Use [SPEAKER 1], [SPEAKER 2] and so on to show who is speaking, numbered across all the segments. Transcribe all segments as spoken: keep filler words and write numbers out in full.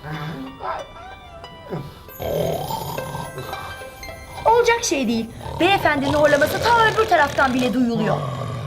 [SPEAKER 1] Olacak şey değil. Beyefendinin horlaması ta öbür taraftan bile duyuluyor.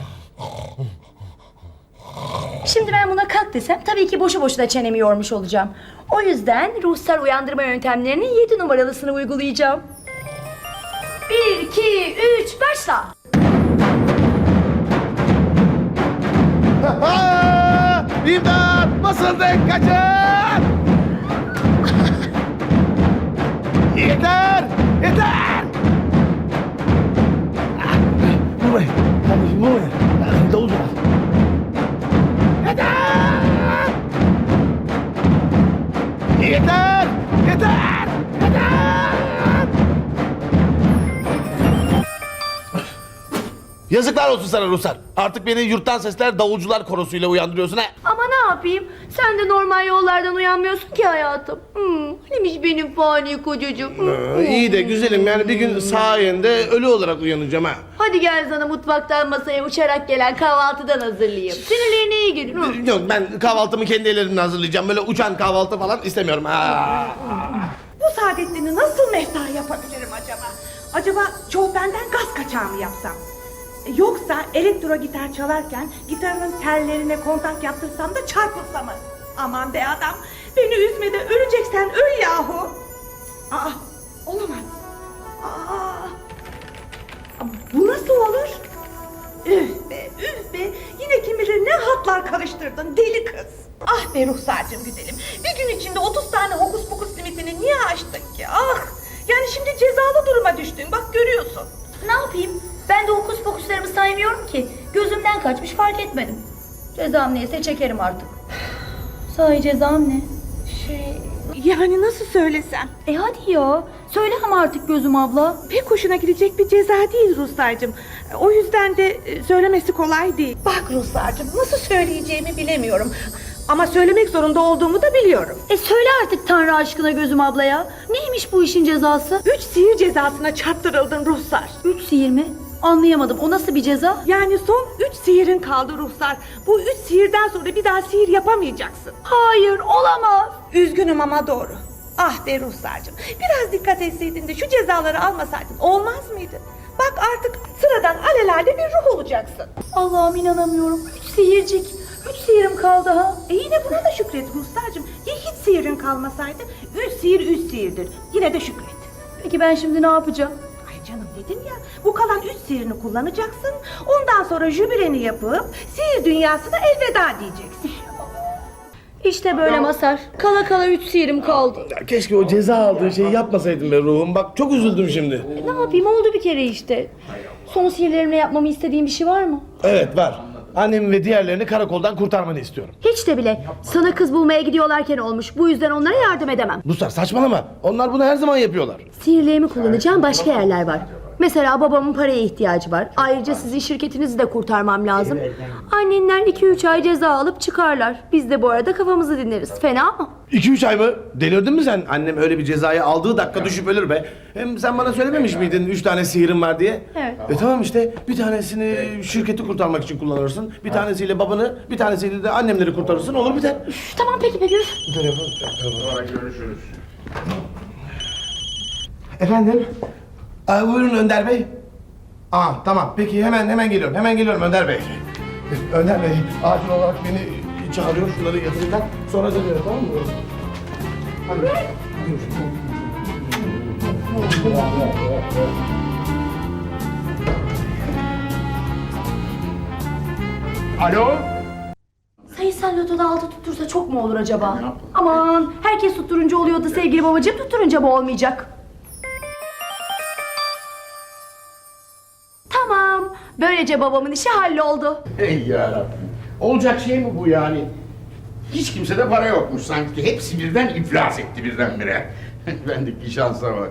[SPEAKER 1] Şimdi ben buna kalk desem tabii ki boşu boşuna çenemi yormuş olacağım. O yüzden ruhsal uyandırma yöntemlerinin yedi numaralısını uygulayacağım. Bir, iki, üç, başla.
[SPEAKER 2] İmdat! Basıldık! Kaçın! Yeter! Yeter! Vurmayın! Kardeşim vurmayın! Davul var! Yeter! Yeter! Yeter! Yeter! Yazıklar olsun sana Ruslar. Artık beni yurttan sesler davulcular korosuyla uyandırıyorsun ha.
[SPEAKER 1] Ama ne yapayım? Sen de normal yollardan uyanmıyorsun ki hayatım. Hmm, neymiş benim fani kocacığım. Hmm.
[SPEAKER 2] Ee, iyi de güzelim yani bir gün sayende ölü olarak uyanacağım ha.
[SPEAKER 1] Hadi gel sana mutfaktan masaya uçarak gelen kahvaltıdan hazırlayayım. Sinirlerine iyi gelir. Hmm.
[SPEAKER 2] Yok ben kahvaltımı kendi ellerimle hazırlayacağım. Böyle uçan kahvaltı falan istemiyorum. Ha.
[SPEAKER 3] Bu Saadettin'i nasıl mehter yapabilirim acaba? Acaba Chopin'den gaz kaçağı mı yapsam? Yoksa elektro gitar çalarken gitarın tellerine kontak yaptırsam da çarpılsa mı? Aman be adam, beni üzme de öleceksen öl yahu. Aa, olamaz. Aa, bu nasıl olur? Üf be, üf be, yine kim bilir ne hatlar karıştırdın deli kız. Ah be Ruhsar'cığım güzelim, bir gün içinde otuz tane hokus pokus limitini niye aştın ki? Ah, yani şimdi cezalı duruma düştün, bak görüyorsun.
[SPEAKER 1] Ne yapayım? Ben de hokus pokuslarımı saymıyorum ki. Gözümden kaçmış fark etmedim. Cezam neyse çekerim artık. Sahi cezam ne?
[SPEAKER 3] Şey, yani nasıl söylesem?
[SPEAKER 1] E hadi ya. Söyle ama artık gözüm abla.
[SPEAKER 3] Pek hoşuna gidecek bir ceza değil Ruslar'cığım. O yüzden de e, söylemesi kolay değil. Bak Ruslar'cığım, nasıl söyleyeceğimi bilemiyorum. Ama söylemek zorunda olduğumu da biliyorum.
[SPEAKER 1] E söyle artık Tanrı aşkına gözüm ablaya. Neymiş bu işin cezası?
[SPEAKER 3] Üç sihir cezasına çarptırıldın Ruslar.
[SPEAKER 1] Üç sihir mi? Anlayamadım. O nasıl bir ceza?
[SPEAKER 3] Yani son üç sihirin kaldı Ruslar. Bu üç sihirden sonra bir daha sihir yapamayacaksın.
[SPEAKER 1] Hayır, olamaz.
[SPEAKER 3] Üzgünüm ama doğru. Ah be Ruslar'cığım, biraz dikkat etseydin de şu cezaları almasaydın olmaz mıydı? Bak artık sıradan alelade bir ruh olacaksın.
[SPEAKER 1] Allah'ım inanamıyorum. Üç sihircik. Üç sihirim kaldı ha.
[SPEAKER 3] E yine buna da şükret Ruslar'cığım. Ya hiç sihirin kalmasaydı? Üç sihir üç sihirdir. Yine de şükret.
[SPEAKER 1] Peki ben şimdi ne yapacağım?
[SPEAKER 3] Ay canım dedim ya, bu kalan üç sihirini kullanacaksın. Ondan sonra jübileni yapıp sihir dünyasına elveda diyeceksin.
[SPEAKER 1] İşte böyle Masar. Kala kala üç sihirim kaldı.
[SPEAKER 2] Ya keşke o ceza aldığı şeyi yapmasaydım be ruhum. Bak çok üzüldüm şimdi.
[SPEAKER 1] E, ne yapayım oldu bir kere işte. Son sihirlerimle yapmamı istediğin bir şey var mı?
[SPEAKER 2] Evet var. Annemi ve diğerlerini karakoldan kurtarmanı istiyorum.
[SPEAKER 1] Hiç de bile. Sana kız bulmaya gidiyorlarken olmuş. Bu yüzden onlara yardım edemem.
[SPEAKER 2] Ruslar saçmalama. Onlar bunu her zaman yapıyorlar.
[SPEAKER 1] Sihirlerimi kullanacağım başka yerler var. Mesela babamın paraya ihtiyacı var. Ayrıca sizin şirketinizi de kurtarmam lazım. Annenler iki üç ay ceza alıp çıkarlar. Biz de bu arada kafamızı dinleriz. Fena mı?
[SPEAKER 2] İki üç ay mı? Delirdin mi sen? Annem öyle bir cezayı aldığı dakika düşüp ölür be. Hem sen bana söylememiş miydin üç tane sihirim var diye?
[SPEAKER 1] Evet.
[SPEAKER 2] E tamam işte bir tanesini şirketi kurtarmak için kullanırsın. Bir tanesiyle babanı, bir tanesiyle de annemleri kurtarırsın. Olur biter.
[SPEAKER 1] Üf, tamam peki peki.
[SPEAKER 4] Sonra görüşürüz.
[SPEAKER 2] Efendim? Aa, buyurun Önder Bey. Aa tamam peki hemen hemen geliyorum. Hemen geliyorum Önder Bey. Önder Bey acil olarak beni çağırıyor. Şunları yatırırlar. Sonra dönüyorum tamam mı? Hadi.
[SPEAKER 4] Alo?
[SPEAKER 1] Sayısal lotoda altı tuttursa çok mu olur acaba? Aman herkes tutturunca oluyordu sevgili babacığım. Tutturunca mı olmayacak? Tamam. Böylece babamın işi halloldu.
[SPEAKER 4] Ey yarabbim. Olacak şey mi bu yani? Hiç kimsede para yokmuş sanki. Hepsi birden iflas etti birdenbire. Bendeki şansa bak.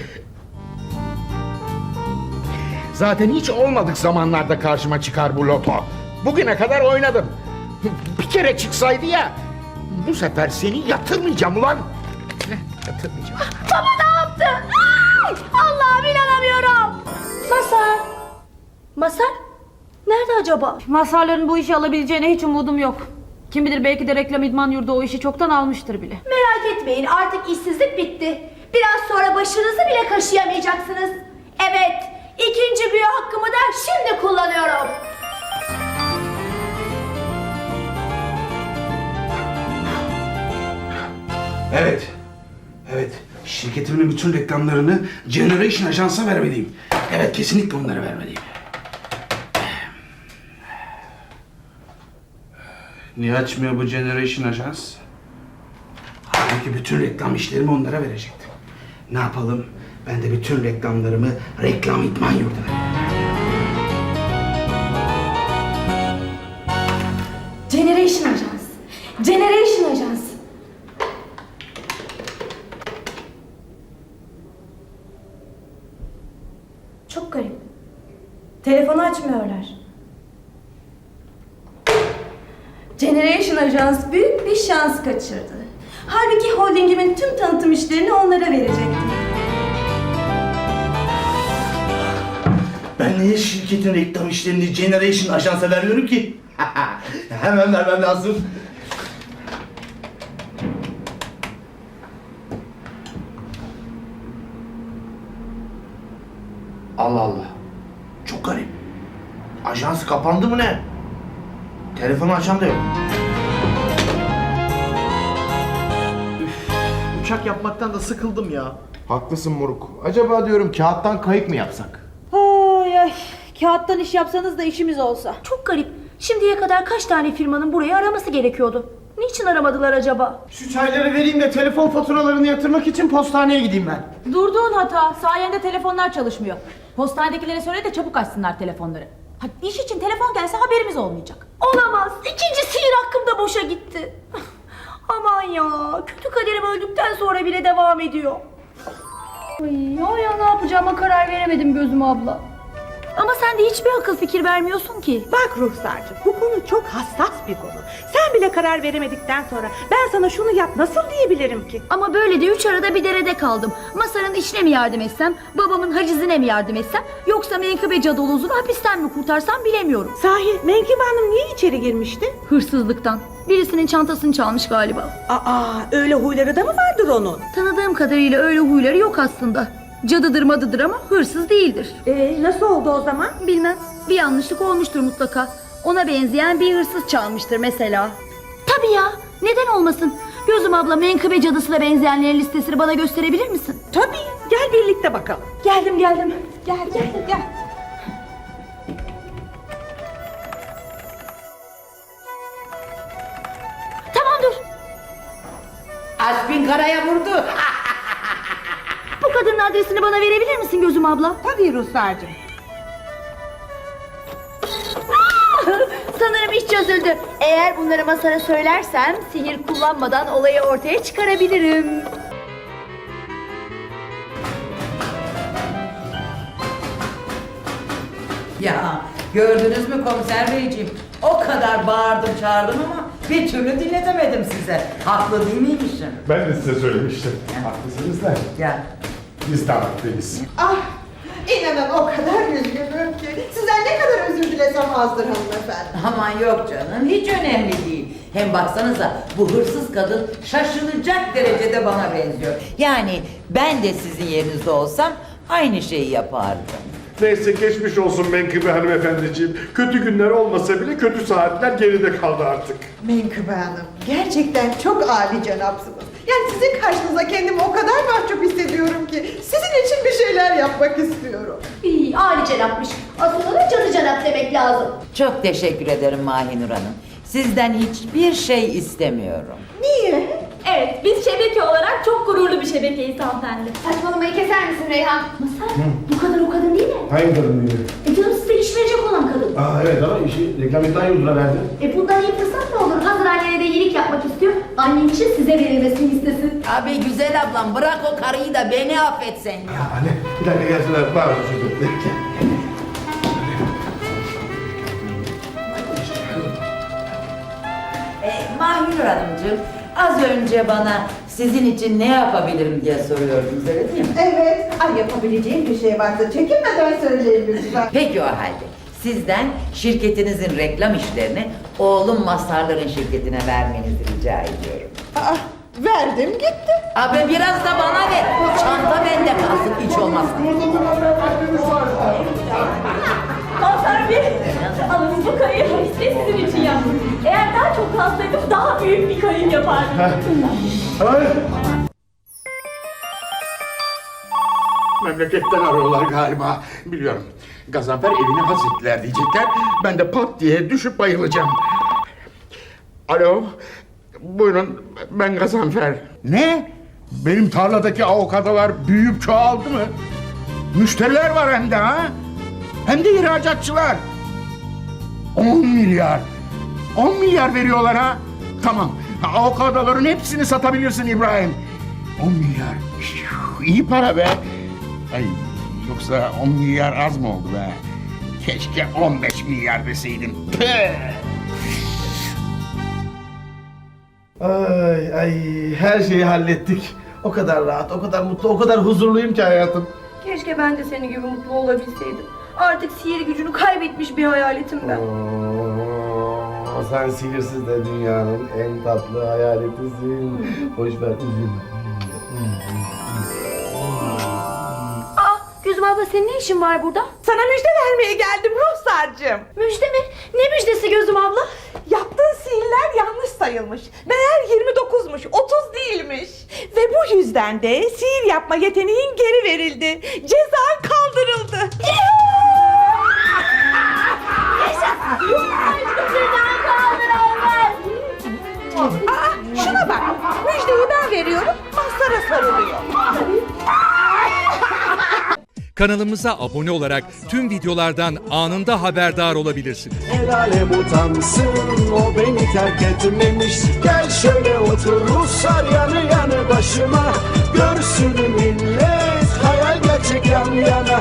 [SPEAKER 4] Zaten hiç olmadık zamanlarda karşıma çıkar bu loto. Bugüne kadar oynadım. Bir kere çıksaydı ya. Bu sefer seni yatırmayacağım ulan. Yatırmayacağım.
[SPEAKER 1] Baba ne yaptı? Ay! Allah'ım inanamıyorum. Masar. Masar? Nerede acaba?
[SPEAKER 5] Mazharların bu işi alabileceğine hiç umudum yok. Kim bilir belki de reklam idman yurdu o işi çoktan almıştır bile.
[SPEAKER 1] Merak etmeyin, artık işsizlik bitti. Biraz sonra başınızı bile kaşıyamayacaksınız. Evet, ikinci büyü hakkımı da şimdi kullanıyorum.
[SPEAKER 2] Evet. Evet. Şirketimin bütün reklamlarını Generation Ajans'a vermeliyim. Evet, kesinlikle onlara vermeliyim. Niye açmıyor bu Generation Ajans? Halbuki bütün reklam işlerimi onlara verecektim. Ne yapalım? Ben de bütün reklamlarımı Reklam İdman Yurdu'na.
[SPEAKER 1] Generation Ajans. Generation Ajans. Çok garip. Telefonu açmıyorlar. Generation Ajans büyük bir şans kaçırdı. Halbuki holdingimin tüm tanıtım işlerini onlara verecektim.
[SPEAKER 2] Ben niye şirketin reklam işlerini Generation Ajans'a vermiyorum ki? Hemen vermem lazım. Allah Allah. Çok garip. Ajans kapandı mı ne? Telefonu açan da yok.
[SPEAKER 6] Uçak yapmaktan da sıkıldım ya.
[SPEAKER 4] Haklısın moruk. Acaba diyorum kağıttan kayık mı yapsak?
[SPEAKER 5] Ay ay. Kağıttan iş yapsanız da işimiz olsa.
[SPEAKER 1] Çok garip. Şimdiye kadar kaç tane firmanın burayı araması gerekiyordu? Niçin aramadılar acaba?
[SPEAKER 6] Şu çayları vereyim de telefon faturalarını yatırmak için postaneye gideyim ben.
[SPEAKER 5] Durduğun hata. Sayende telefonlar çalışmıyor. Postanedekilere söyle de çabuk açsınlar telefonları. Ha, iş için telefon gelse haberimiz olmayacak.
[SPEAKER 1] Olamaz. İkinci sihir hakkım da boşa gitti. Aman ya. Kötü kaderim öldükten sonra bile devam ediyor. Ay, ya, ya ne yapacağıma karar veremedim Gözüm abla. Ama sen de hiçbir akıl fikir vermiyorsun ki.
[SPEAKER 3] Bak Ruhsar'cığım, bu konu çok hassas bir konu. Sen bile karar veremedikten sonra ben sana şunu yap nasıl diyebilirim ki?
[SPEAKER 1] Ama böyle de üç arada bir derede kaldım. Masarın işine mi yardım etsem, babamın hacizine mi yardım etsem, yoksa Menkıbe Cadaloz'unu hapisten mi kurtarsam bilemiyorum.
[SPEAKER 3] Sahi Menkıbe Hanım niye içeri girmişti?
[SPEAKER 1] Hırsızlıktan. Birisinin çantasını çalmış galiba.
[SPEAKER 3] Aa, öyle huyları da mı vardır onun?
[SPEAKER 1] Tanıdığım kadarıyla öyle huyları yok aslında. Cadıdır madıdır ama hırsız değildir.
[SPEAKER 3] Ee, nasıl oldu o zaman?
[SPEAKER 1] Bilmem. Bir yanlışlık olmuştur mutlaka. Ona benzeyen bir hırsız çalmıştır mesela. Tabii ya. Neden olmasın? Gözüm abla Menkıbe cadısına benzeyenlerin listesini bana gösterebilir misin?
[SPEAKER 3] Tabii, gel birlikte bakalım.
[SPEAKER 1] Geldim geldim.
[SPEAKER 3] Gel gel gel.
[SPEAKER 1] Tamam dur.
[SPEAKER 7] Aspin karaya vurdu.
[SPEAKER 1] Bu kadının adresini bana verebilir misin Gözüm abla?
[SPEAKER 3] Tabii Ruhsar'cığım.
[SPEAKER 1] Sanırım iş çözüldü. Eğer bunları Masar'a söylersem sihir kullanmadan olayı ortaya çıkarabilirim.
[SPEAKER 7] Ya gördünüz mü komiser beyciğim? O kadar bağırdım çağırdım ama bir türlü dinletemedim size. Haklı değil miymişim?
[SPEAKER 8] Ben de size söylemiştim. Haklısınız da
[SPEAKER 7] Ya
[SPEAKER 8] biz de haklıyız.
[SPEAKER 9] Ah, inanın o kadar üzgünüm ki. Sizden ne kadar özür dilesem azdır hanımefendi.
[SPEAKER 7] aman yok canım, hiç önemli değil. Hem baksanıza bu hırsız kadın şaşılacak derecede bana benziyor. Yani ben de sizin yerinizde olsam aynı şeyi yapardım.
[SPEAKER 8] Neyse geçmiş olsun Menkıbe hanımefendiciğim. Kötü günler olmasa bile kötü saatler geride kaldı artık.
[SPEAKER 9] Menkıbe Hanım, gerçekten çok âli cenapsınız. Yani sizin karşınıza kendimi o kadar mahcup hissediyorum ki sizin için bir şeyler yapmak istiyorum.
[SPEAKER 1] İyi, âli cenapmış. Aslında da canı cenap demek lazım.
[SPEAKER 7] Çok teşekkür ederim Mahinur Hanım. Sizden hiçbir şey istemiyorum.
[SPEAKER 9] Niye?
[SPEAKER 1] Evet, biz şebeke olarak çok gururlu bir şebekeyiz hanımefendi. Saçmalamayı keser misin Reyhan? Masar, bu kadın o kadın değil mi?
[SPEAKER 2] Hangi kadın değil mi?
[SPEAKER 1] E canım size iş verecek olan kadın.
[SPEAKER 2] Aa evet ama işi Reklam İdman Yurdu'na verdi.
[SPEAKER 1] E bundan iyi fırsat ne olur? Hazır annene de iyilik yapmak istiyor. Annen için size verilmesini istesin.
[SPEAKER 7] Abi güzel ablam bırak o karıyı da beni affetsen ya.
[SPEAKER 2] Ya anne bir dakika gelsinler. Bağır şurada.
[SPEAKER 7] E, Mahinur Hanımcığım az önce bana sizin için ne yapabilirim diye soruyordunuz öyle değil mi?
[SPEAKER 9] Evet, ay yapabileceğim bir şey varsa çekinmeden söyleyin lütfen.
[SPEAKER 7] Peki o halde Sizden şirketinizin reklam işlerini oğlum Mazharların şirketine vermenizi rica ediyorum.
[SPEAKER 9] Aa, verdim gitti.
[SPEAKER 7] Abi biraz da bana ver. Çanta bende kalsın hiç olmazsa.
[SPEAKER 1] Mazhar Bey, alın bu kayığı işte sizin için yaptım. Eğer daha çok kalsaydım daha büyük bir kayık yapardım.
[SPEAKER 4] Memleketten arıyorlar galiba. Biliyorum. Gazanfer evine hazrettiler diyecekler. Ben de pat diye düşüp bayılacağım. Alo. Buyurun, ben Gazanfer. Ne? Benim tarladaki avokadolar büyüyüp çoğaldı mı? Müşteriler var hem de ha? Hem de ihracatçılar. On milyar. On milyar veriyorlar ha? Tamam. Avokadoların hepsini satabilirsin İbrahim. On milyar. İyi para be. Ay, yoksa on milyar az mı oldu be? Keşke on beş milyar deseydim. Püh!
[SPEAKER 2] Ay ay her şeyi hallettik. O kadar rahat, o kadar mutlu, o kadar huzurluyum ki hayatım.
[SPEAKER 1] Keşke ben de senin gibi mutlu olabilseydim. Artık sihir gücünü kaybetmiş bir hayaletim ben.
[SPEAKER 2] Oo, sen sihirsiz de dünyanın en tatlı hayaletisin. Boş ver üzülme.
[SPEAKER 1] Aa, Gözüm abla senin ne işin var burada?
[SPEAKER 3] Sana müjde vermeye geldim Ruhsar'cığım.
[SPEAKER 1] Müjde mi? Ne müjdesi Gözüm abla?
[SPEAKER 3] Yaptığın sihirler yanlış sayılmış. Meğer yirmi dokuzmuş, otuz değilmiş. Ve bu yüzden de sihir yapma yeteneğin geri verildi. Cezan kaldırıldı. Aa, şuna bak. Müjdeyi ben veriyorum, Mazhar'a sarılıyor.
[SPEAKER 10] Kanalımıza abone olarak tüm videolardan anında haberdar olabilirsiniz.
[SPEAKER 6] El alem utansın, o beni terk etmemiş. Gel şöyle otur Ruslar yanı yanı başıma. Görsün millet hayal gerçek yan yana.